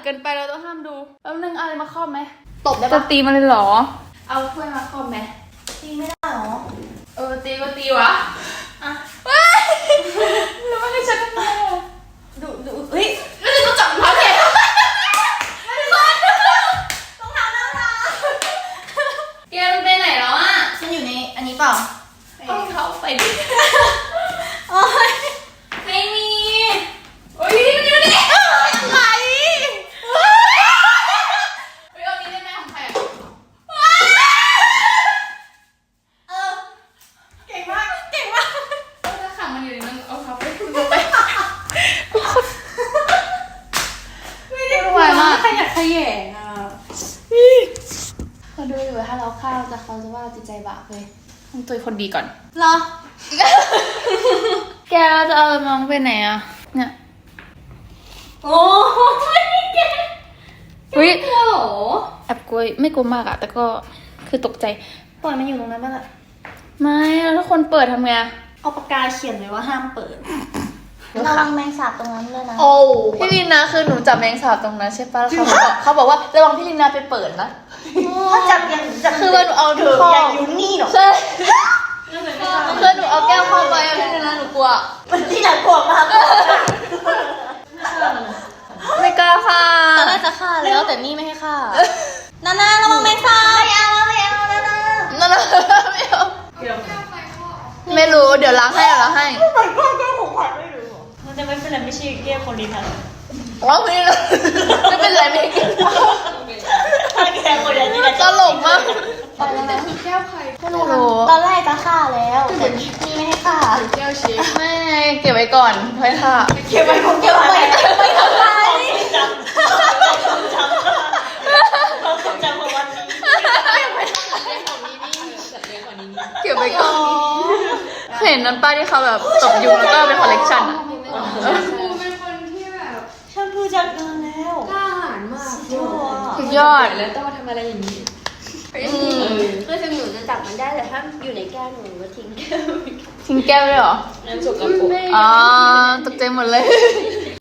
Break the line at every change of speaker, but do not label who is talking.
เกินไปเราต้องห้ามดูแล้วนึงอะไรมาครอบไหม
ตบได้
จะ
ปะ
ตีมันเลยเหรอเอาถ้วยมาครอบไหม
ตีไม่ได้หรอ
ตีก็ตีวะอ่ะแล้วมันให้ฉันทำไมอ่ะ
ดูเฮ้ย
แล้วฉันต้องจับเท้าแก
ต้องทำแล้วนะ
แกมันไปไหนแล้วอ่ะ
ฉันอยู่ในอันนี้เปล่า
เอาเขาไปดิ
โอ้ย
ไม่มีโอ้ยมันอยู่นี่
อะไร
เอานี้ได้ไหมของใครอ่ะ
เก่งมากเก่งมาก
ถ้าขังมันอยู่ในนั้นเอาเขาไปคุณไป
ไม่ได้ไหวมากขยันขยงอ่ะเขาดูอยู่ถ้าเราฆ่าแต่เขาจะว่าจิตใจบาปเลย
ต้องตัวคนดีก่อน
เหรอ
แกจะเอามองไปไหนอ่ะเนี่ย
โอ้ยแก
อุ้ย
กลัวเหรอ
แอบกลัวไม่กลัวมากอะแต่ก็คือตกใจ
ปล่อยมันอยู่ตรงนั้นไปละ
ไม่แล้วถ้าคนเปิดทำไง
เอาปากกาเขียนไว้ว่าห้ามเปิดระวังแมงสาบตรงนั้นเลยนะ
โอ้พี่ลินนะคือหนูจับแมงสาบตรงนั้นใช่ปะแล้วเขาบอกว่าระวังพี่ลินนะไปเปิดนะ
ถ้าจับยังจับ
คือว่าหนูเอา
เธออย่ายุ่นี่หรอก
ใช่คือหนูเอาแก้วครอบไว้อะพี่ลินนะหนูกลัว
มันที่หนักกลัวมาก
ไม่กล้าค่ะ
ตอนแรกจะฆ่าแล้วแต่นี่ไม่ให้ฆ่านาระวังแมงสาบไม่เอานา
นั่นนะไม่เอาไม่รู้เดี๋ยวล้างให้
มันก็แก้วของขวัญไม่รู้มันจะไม่เป็นไรไม่ใช่แก้วคนดีนะ
ว่าพี่ลินไม่เป็นไรไม่กิน
แก้วคนดีนะ
ตลกมาก
แก้วใครไม่รู้ตอนแรกจะฆ่าแล้วแต่นี่ไม่ให้ฆ่า
แก้วเชฟไม่เก็บไว้ก่อนไว้ค่ะ
เก็บไว้ของเก็บไว้ไม่ทำไรจำของวันนี้
เก็บไว้ก่อนเห็นนั้นป้าที่เขาแบบตบยุงแล้วก็เป็นคอลเลกชันอะ
กูเป็นคนที่แบบ
แชมพูจับเงินแล้ว
กล้าหาญมาก
สุดยอด
แล้วต้องมาทำอะไรอย่างนี้
คือถึงหนูจะจับมันได้แต่ถ้าอยู่ในแก้วหนูก็ทิ้งแก้ว
ทิ้งแก้วเลยเหรอ
น้ำสกปรก
อ๋อตกใจหมดเลย